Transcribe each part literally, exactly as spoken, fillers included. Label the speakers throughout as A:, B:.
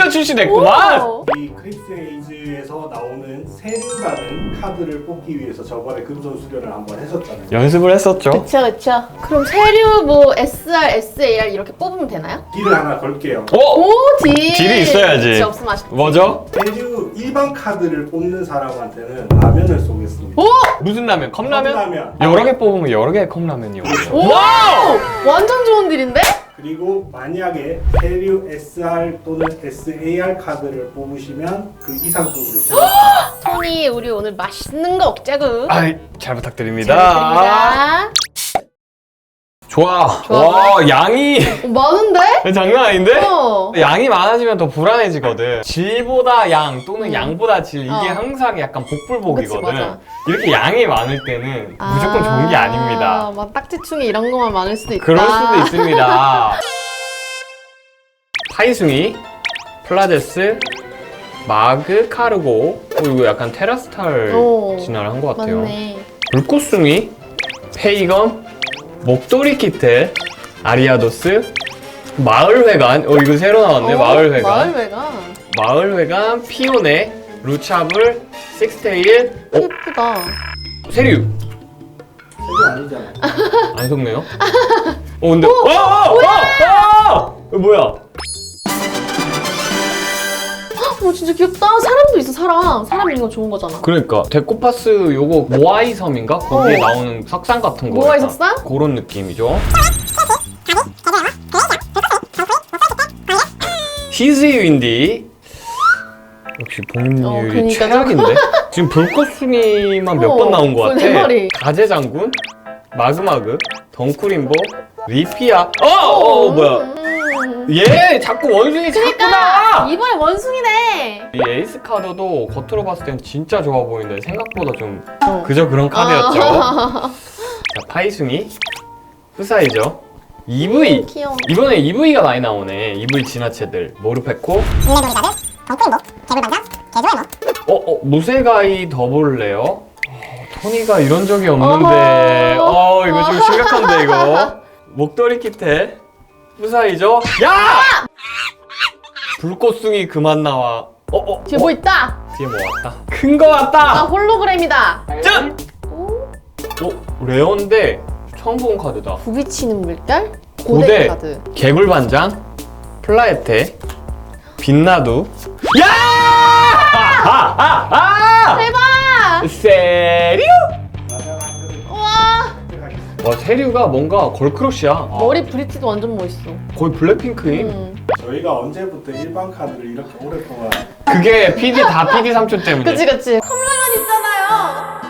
A: 출시됐구만.
B: 이 크리스 에이즈에서 나오는 세류라는 카드를 뽑기 위해서 저번에 금손 수련을 한번 했었잖아요.
A: 연습을 했었죠.
C: 그쵸 그쵸. 그럼 세류 뭐 에스알, 에스에이알 이렇게 뽑으면 되나요?
B: 딜을 하나 걸게요.
A: 어?
C: 오 딜!
A: 딜이 있어야지.
C: 딜 없으면 아쉽다.
A: 뭐죠?
B: 세류 일반 카드를 뽑는 사람한테는 라면을 쏘겠습니다.
C: 오!
A: 무슨 라면? 컵라면?
B: 컵라면.
A: 여러 개 뽑으면 여러 개의 컵라면이 오죠.
C: 오! 완전 좋은 딜인데?
B: 그리고 만약에 세류 에스알 또는 에스에이알 카드를 뽑으시면 그 이상급으로 쏘겠습니다.
C: 토니 우리 오늘 맛있는 거 먹자구.
A: 아이, 잘 부탁드립니다.
C: 잘
A: 좋아.
C: 좋아.
A: 와, 양이
C: 어, 많은데?
A: 장난 아닌데?
C: 어.
A: 양이 많아지면 더 불안해지거든. 질보다 양 또는
C: 음.
A: 양보다 질 이게
C: 어.
A: 항상 약간 복불복이거든.
C: 그치, 맞아.
A: 이렇게 양이 많을 때는 무조건 좋은 게 아닙니다.
C: 막 딱지충이 이런 것만 많을 수도 있다.
A: 그럴 수도 있습니다. 파이숭이, 플라데스, 마그, 카르고. 어, 이거 약간 테라스탈
C: 오,
A: 진화를 한 것 같아요.
C: 맞네.
A: 불꽃숭이, 페이건, 목도리 키트, 아리아도스, 마을회관. 어 이거 새로 나왔네.
C: 어,
A: 마을회관.
C: 마을회관.
A: 마을회관, 피오네, 루차블, 식스테일, 어?
C: 예쁘다.
A: 세류.
B: 세류 아니잖아요.
A: 안 속네요. 어 근데 어! 어! 어! 어! 이거 뭐야?
C: 어 진짜 귀엽다. 사람도 있어 사람. 사람 있는 거 좋은 거잖아.
A: 그러니까 데코파스 요거 모아이 섬인가? 거기에
C: 어.
A: 나오는 석상 같은 거.
C: 모아이
A: 약간
C: 석상?
A: 그런 느낌이죠. 히즈이 윈디. 역시
C: 어,
A: 복률이
C: 그니까.
A: 최악인데? 지금 불꽃숭이만 몇
C: 어,
A: 번 나온 것
C: 네
A: 같아.
C: 마리.
A: 가재장군, 마그마그, 덩쿠림보, 리피아. 어! 어, 어 뭐야?
C: 음.
A: 얘 자꾸 원숭이 자꾸다!
C: 이번에 원숭이네.
A: 이 에이스 카드도 겉으로 봤을 땐 진짜 좋아 보이는데 생각보다 좀
C: 어.
A: 그저 그런 카드였죠.
C: 아.
A: 자, 파이숭이, 푸사이죠. 이브이.
C: 음, 귀여워.
A: 이번에 이브이가 많이 나오네. 이브이 진화체들. 모르페코.
D: 인내놀이가들, 덩크림보, 개불반장, 개조해머.
A: 어, 어, 무쇠가이 더블레어. 어, 토니가 이런 적이 없는데.
C: 어허.
A: 어, 이거 좀 심각한데, 이거. 목도리 키테. 푸사이죠. 야! 불꽃숭이 그만 나와. 어, 어.
C: 뒤에
A: 어,
C: 뭐 있다?
A: 뒤에 뭐 왔다. 큰 거
C: 아
A: 왔다!
C: 홀로그램이다.
A: 짠!
C: 오,
A: 어, 레어인데 처음 본 카드다.
C: 부비치는 물결? 고대
A: 고대.
C: 카드.
A: 개불반장, 플라에테, 빛나두. 야! 아! 아! 아!
C: 대박!
A: 세류?
B: 라면 한 그릇
C: 우와.
B: 선택하겠습니다.
A: 와, 세류가 뭔가 걸크러쉬야.
C: 머리 브릿지도 완전 멋있어.
A: 거의 블랙핑크임.
C: 음.
B: 저희가 언제부터 일반 카드를 이렇게 오랫동안
A: 그게 피디 다 피디 삼촌 때문에.
C: 그치 그치. 컵라면 있잖아요.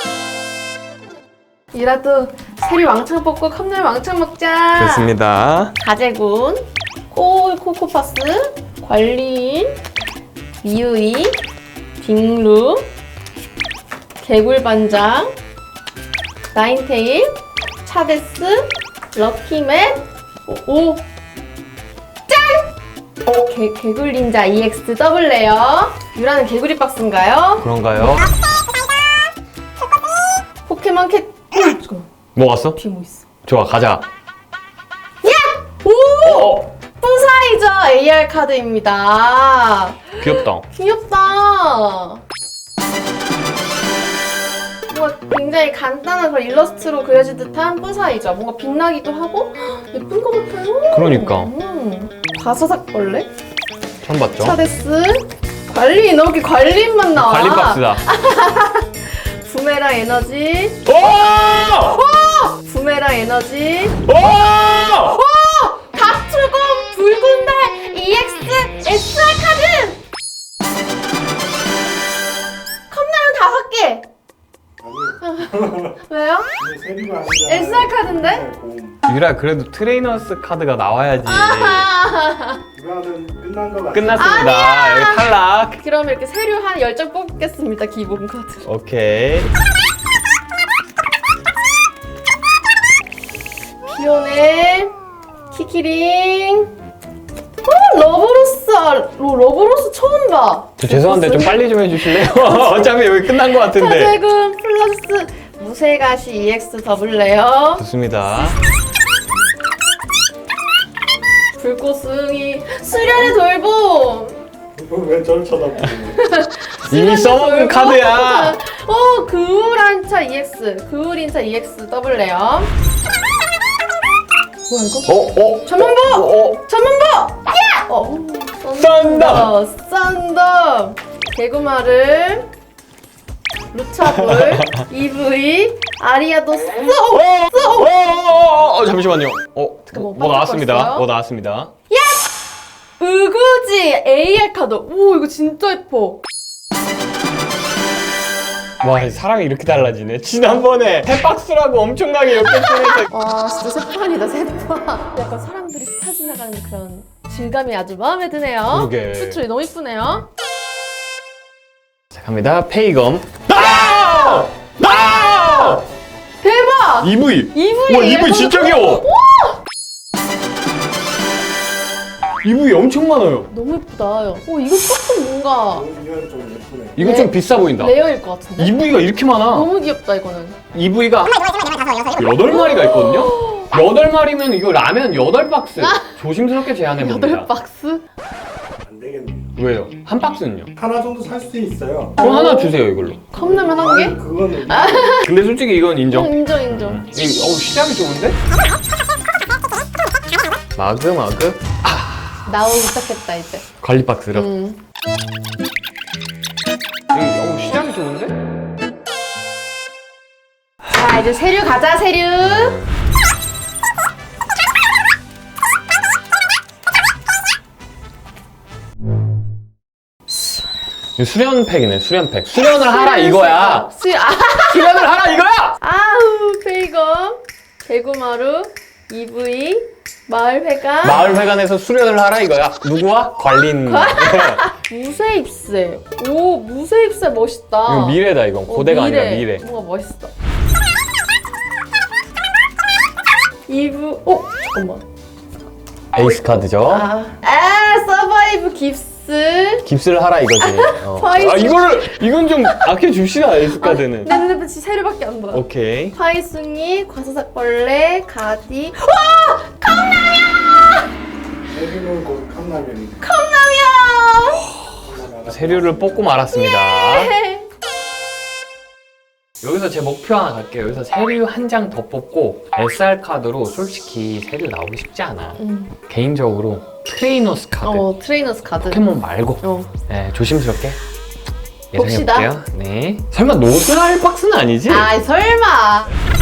C: 이라도 세리 왕창 뽑고 컵라면 왕창 먹자.
A: 좋습니다.
C: 가재군, 코, 코코파스, 관리인, 미우이, 딩루, 개굴반장, 나인테일, 차데스, 럭키맨, 오, 오. 짠! 오, 개, 개굴닌자 이엑스 더블 레어. 유라는 개구리 박스인가요?
A: 그런가요?
C: 포켓몬 캣. 오, 잠깐만.
A: 뭐 왔어?
C: 뒤에 뭐 있어?
A: 좋아, 가자.
C: 야! 오!
A: 어,
C: 푸사이저 에이알 카드입니다.
A: 귀엽다.
C: 귀엽다. 뭔가 굉장히 간단한 걸 일러스트로 그려진 듯한 푸사이저. 뭔가 빛나기도 하고 예쁜 것 같아요.
A: 그러니까.
C: 음. 과서삭벌레,
A: 처음 봤죠?
C: 차데스, 관리인. 여기 관리인만 나와.
A: 관리 박스다.
C: 부메랑 에너지,
A: 오!
C: 부메랑 에너지,
A: 오!
C: 갑투공 붉은 달 이엑스 에스알 카드! 컵라면 다섯 개!
B: 아니요.
C: 왜요?
B: 근데 세류가 아니잖아요.
C: 에스알 카드인데?
B: 네, 고음.
A: 유라, 그래도 트레이너스 카드가 나와야지.
C: 아하.
B: 이거는 끝난 거 같아요.
A: 끝났습니다. 여기 탈락.
C: 그럼 이렇게 세류 한 열 장 뽑겠습니다, 기본 카드.
A: 오케이.
C: 피오네, 키키링, 어, 러브로스, 아, 로, 러브로스 처음 봐.
A: 저 죄송한데 좀 빨리 좀 해주실래요? 어차피 여기 끝난 것 같은데.
C: 차대금 플러스 무쇠가시 이엑스 더블 레어,
A: 좋습니다.
C: 불꽃승이 수련의 돌봄.
B: 왜 저를 쳐다보는 거야?
A: 이미 써먹은 카드야.
C: 어, 그울한차 이엑스, 그울인차 이엑스 더블레어. 뭐야 이거?
A: 어? 어?
C: 전문보!
A: 어? 어?
C: 전문보! 야! 어,
A: 썬더!
C: 썬더! 개구마를, 루차볼, 이브이, 아리아도 쏘!
A: 어, 어, 어, 어, 잠시만요. 어,
C: 뭐
A: 뭐 나왔습니다.
C: 반짝거렸어요?
A: 뭐 나왔습니다.
C: 으그지 에이알 카드. 오, 이거 진짜 예뻐.
A: 와, 사람이 이렇게 달라지네. 지난번에 세 박스라고 엄청나게 엮였으면서.
C: 와, 진짜 세판이다, 세판. 약간 사람들이 스쳐 지나가는 그런 질감이 아주 마음에 드네요.
A: 그러게.
C: 수출이 너무 이쁘네요.
A: 자, 갑니다. 페이검. 아! 아!
C: 대박!
A: 이브이.
C: 이브이.
A: 와, 이브이 진짜 귀여워. 이브이 엄청 많아요.
C: 너무 예쁘다. 오, 이거 조금 뭔가
B: 이건 좀 예쁘네.
A: 이거
C: 네.
A: 좀 비싸 보인다.
C: 레어일 것 같은데?
A: 이브이가 이렇게 많아.
C: 너무 귀엽다, 이거는.
A: 이브이가 여덟 마리가 있거든요. 여덟 마리면 이거 라면 여덟 박스. 조심스럽게 제한해 봅니다.
C: 여덟 박스?
B: 안 되겠네요.
A: 왜요? 한 박스는요?
B: 하나 정도 살 수 있어요.
A: 그럼 하나 주세요 이걸로.
C: 컵라면 한 개?
B: 아니, 그거는
A: 근데 솔직히 이건 인정.
C: 응, 인정, 인정.
A: 이, 어우 시작이 좋은데? 마그 마그
C: 나오기 시작했다, 이제.
A: 관리 박스로.
C: 음.
A: 이, 어우 시작이 좋은데?
C: 자, 이제 세류 가자, 세류.
A: 이거 수련팩이네 수련팩. 수련을 하라 이거야.
C: 수, 아,
A: 수련을 하라 이거야.
C: 아우, 페이검, 개구마루, 이브이, 마을회관,
A: 마을회관에서 수련을 하라 이거야. 누구와? 관리인.
C: 무쇠입새. 오, 무쇠입새 멋있다.
A: 이거 미래다 이건.
C: 어,
A: 고대가 아니라 미래.
C: 뭔가 멋있어. 이브, 어, 잠깐만.
A: 에이스 카드죠.
C: 아, 아 서바이브 깁스.
A: 깁스를 하라 이거지. 어.
C: 파이스.
A: 아 이거를 이건 좀 아껴 줍시다 에이스 카드는.
C: 내 눈에 빛이 세류밖에 안 보여.
A: 오케이.
C: 파이숭이, 과사삭벌레, 가디.
B: 세류는 곧 컵라면이.
C: 컵라면!
A: 세류를 뽑고 말았습니다.
C: 예.
A: 여기서 제 목표 하나 갈게요. 여기서 세류 한 장 더 뽑고 에스알 카드로 솔직히 세류 나오기 쉽지 않아.
C: 음.
A: 개인적으로 트레이너스 카드.
C: 어, 트레이너스 카드.
A: 포켓몬 말고
C: 어.
A: 네, 조심스럽게
C: 봅시다.
A: 예상해볼게요. 네. 설마 노스할 박스는 아니지?
C: 아이, 설마.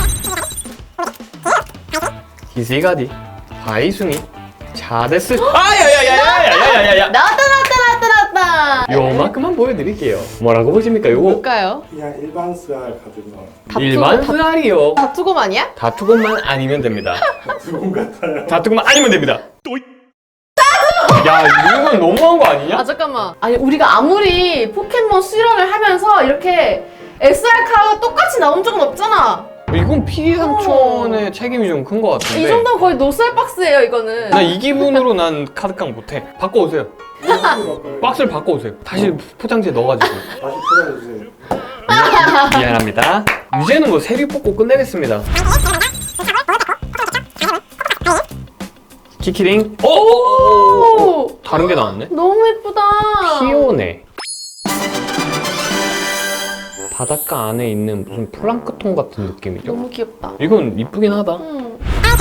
A: 기세가디, 바이숭이, 자데스. 아야야야야야야야야야.
C: 나왔다, 나왔다, 나왔다, 나왔다.
A: 요만큼만 보여드릴게요. 뭐라고 보십니까? 요거
C: 뭘까요?
B: 그냥 일반 스알 카드가
C: 다투고,
A: 일반
C: 다-
A: 스알이요.
C: 다투곰 아니야?
A: 다투곤만 아니면 됩니다.
B: 두분 같아요.
A: 다투곤만 아니면 됩니다. 야 이건 너무한 거 아니냐?
C: 아, 잠깐만. 아니, 우리가 아무리 포켓몬 수련을 하면서 이렇게 에스알 카드가 똑같이 나온 적은 없잖아.
A: 이건 피디 삼촌의 책임이 좀 큰 거 같은데.
C: 이 정도면 거의 노스알 박스예요, 이거는.
A: 나 이 기분으로 난 카드깡 못해. 바꿔오세요. 박스를 바꿔오세요. 다시 포장지에 넣어가지고.
B: 다시 풀어주세요.
A: 미안합니다. 이제는 뭐 세류 뽑고 끝내겠습니다. 키키링. 오!
C: 오!
A: 다른 게 나왔네.
C: 너무 예쁘다.
A: 피오네. 바닷가 안에 있는 무슨 플랑크톤 같은 느낌이죠?
C: 너무 귀엽다.
A: 이건 이쁘긴 하다.
C: 음.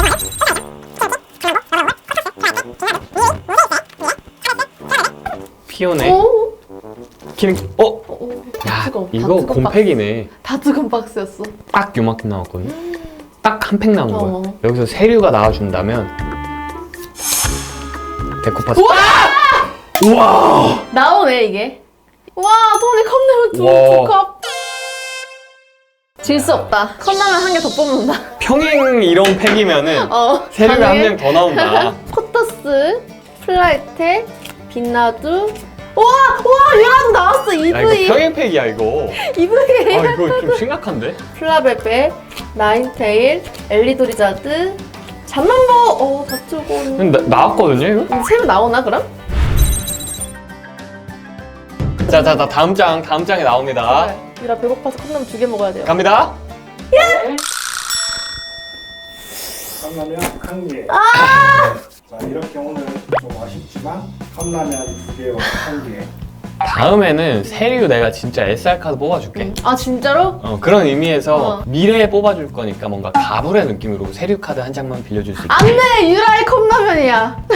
A: 피오네.
C: 오?
A: 키링. 어?
C: 어, 오.
A: 야,
C: 다투곰,
A: 이거
C: 다투곰
A: 곰팩이네.
C: 박스. 다투곰 박스였어.
A: 딱 요만큼 나왔거든. 딱 한 팩 나온 거야.
C: 어.
A: 여기서 세류가 나와준다면 데코파스.
C: 우와!
A: 우와!
C: 나오네, 이게. 와, 토니 컵라면
A: 와.
C: 두 컵. 질 수 없다. 컵라면 한 개 더 뽑는다.
A: 평행 이런 팩이면은
C: 어.
A: 세류가 한
C: 가능해?
A: 명 더 나온다.
C: 포터스, 플라이테, 빛나두. 우와! 우와! 얘가도 나왔어,
A: 야 이거
C: 이브이.
A: 평행 팩이야 이거.
C: 이브이.
A: 아 이거 좀 심각한데?
C: 플라베베, 나인테일, 엘리도리자드, 잠만보. 어, 다투고.
A: 나, 나왔거든요 이거?
C: 새로 나오나, 그럼?
A: 자자자 다음 장 다음 장에 나옵니다.
C: 그래. 유라 배고파서 컵라면 두 개 먹어야 돼요.
A: 갑니다.
B: 컵라면 한 개. 자 이렇게 오늘 좀 아쉽지만 컵라면 두 개와 한 개.
A: 다음에는 세류 내가 진짜 에스알 카드 뽑아줄게.
C: 아 진짜로?
A: 어, 그런 의미에서
C: 어.
A: 미래에 뽑아줄 거니까 뭔가 가불의 느낌으로 세류 카드 한 장만 빌려줄 수 있게.
C: 안돼 유라의 컵라면이야.